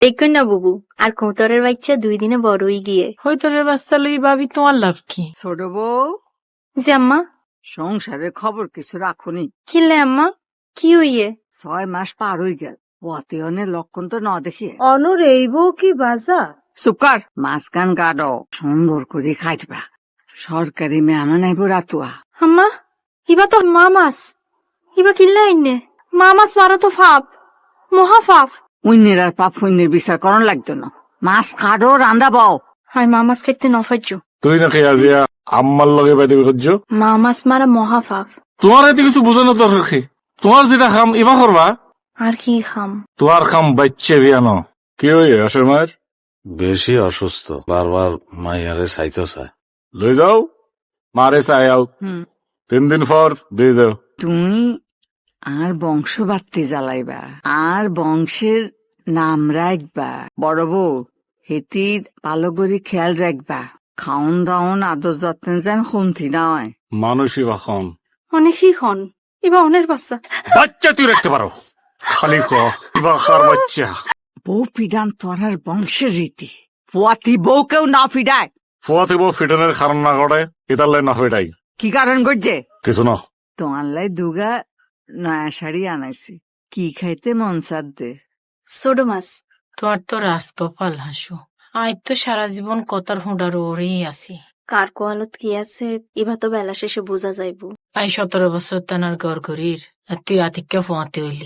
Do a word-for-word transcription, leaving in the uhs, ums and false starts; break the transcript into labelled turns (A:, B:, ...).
A: দেখুন না বুবু, আর কোঁতরের বাচ্চা দুই দিনে বড়ই গিয়ে।
B: হইতরের বাচ্চা লই ভাবি তোমার লাভ কি?
C: ছোট বউ,
A: যে আম্মা,
C: সংসারের খবর কিছু রাখুনি।
A: কিনলে আম্মা, কি হইয়ে?
C: ছয় মাস পার হয়ে গেল, পথে অনেক লক্ষণ তো না দেখিয়ে।
B: অনুর এই বউ কি বাজা?
C: সুকার মাঝখান গাড়ো সুন্দর করে খাইবা। সরকারি মেহমান আইব রাতুয়া।
A: আম্মা, ইবা তো মা মাছ, ইবা কিনলে আইনে। মা মাছ মারা তো ফাপ, মহা ফাপ।
C: উইনের আর পাপ পুণ্যের বিচার করন লাগতো না। মাছ কাটো রান্দা বাও।
A: হাই মা মাছ খাইতে নফাইছ।
D: তুই নাকি আজিয়া আম্মার লগে বাইতে করছো?
A: মা মাছ মারা মহা ফাপ।
D: তোমার এতে কিছু বোঝানো দরকার কি? তোমার যেটা খাম ইবা করবা।
A: আর কি খাম?
D: তোমার খাম বাচ্চা বিয়ানো। কি হইয়ে আসর মায়ের?
E: বেশি অসুস্থ, বারবার মাইয়ারে চাইতে চায়।
D: লই যাও, মারে চাই আও।
C: হুম,
D: তিন দিন পর দিয়ে যাও।
C: তুমি আর বংশ বাড়তে জ্বালাইবা, আর বংশের নাম রাখবা। বড় বউ, হেতির ভালো করে খেয়াল রাখবা। খাওন দাওন আদর যত্ন যেন কমতি না হয়।
D: মানুষই বা খাম।
A: অনেকই খন, ইবা অনের বাচ্চা।
D: বাচ্চা তুই রাখতে পারো, খালি ক ইবা কার বাচ্চা।
C: বউ পিডান তোরার বংশের রীতি। পুয়াতি বউ কেউ না ফিডায়।
D: ফুয়াতে বউ ফিটনের কারণ না করে এটার লাই না হইটাই
C: কি কারণ করছে?
D: কিছু না।
C: তোমার লাই দুগা নয়া শাড়ি আনাইছি, কি খাইতে মন সাদ দে।
A: ছোট মাছ।
B: তোমার তো রাজকপাল হাসু। আজ তো সারা জীবন কতার হুঁডার ওরেই আছি।
A: কার কোয়ালত কি আছে, ইবা তো বেলা শেষে বোঝা যাইব।
B: আই সতেরো বছর তানার গড় গড়ির, আর তুই আতিক্যা ফোঁয়াতে হইলি।